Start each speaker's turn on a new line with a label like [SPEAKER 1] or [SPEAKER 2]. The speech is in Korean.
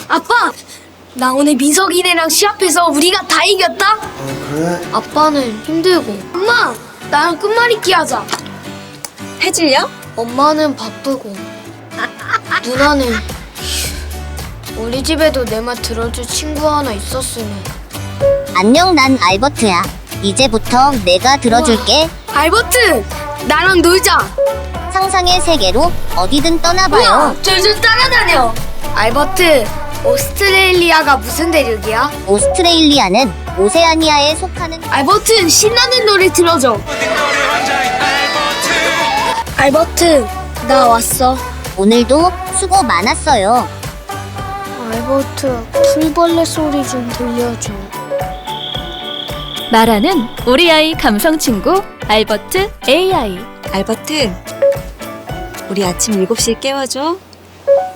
[SPEAKER 1] 아빠! 나 오늘 민석이네랑 시합해서 우리가 다 이겼다?
[SPEAKER 2] 그래?
[SPEAKER 1] 아빠는 힘들고. 엄마! 나랑 끝말잇기 하자.
[SPEAKER 3] 해질려?
[SPEAKER 1] 엄마는 바쁘고. 누나는 우리 집에도 내 말 들어줄 친구 하나 있었으면.
[SPEAKER 4] 안녕, 난 알버트야. 이제부터 내가 들어줄게.
[SPEAKER 1] 알버트! 나랑 놀자!
[SPEAKER 4] 상상의 세계로 어디든 떠나봐요.
[SPEAKER 1] 우와! 줄줄 따라다녀! 알버트, 오스트레일리아가 무슨 대륙이야?
[SPEAKER 4] 오스트레일리아는 오세아니아에 속하는
[SPEAKER 1] 알버트, 신나는 노래 들어줘! 알버트, 나 왔어.
[SPEAKER 4] 오늘도 수고 많았어요.
[SPEAKER 1] 알버트, 풀벌레 소리 좀 들려줘.
[SPEAKER 5] 말하는 우리 아이 감성 친구 알버트 AI.
[SPEAKER 3] 알버트, 우리 아침 7시에 깨워줘.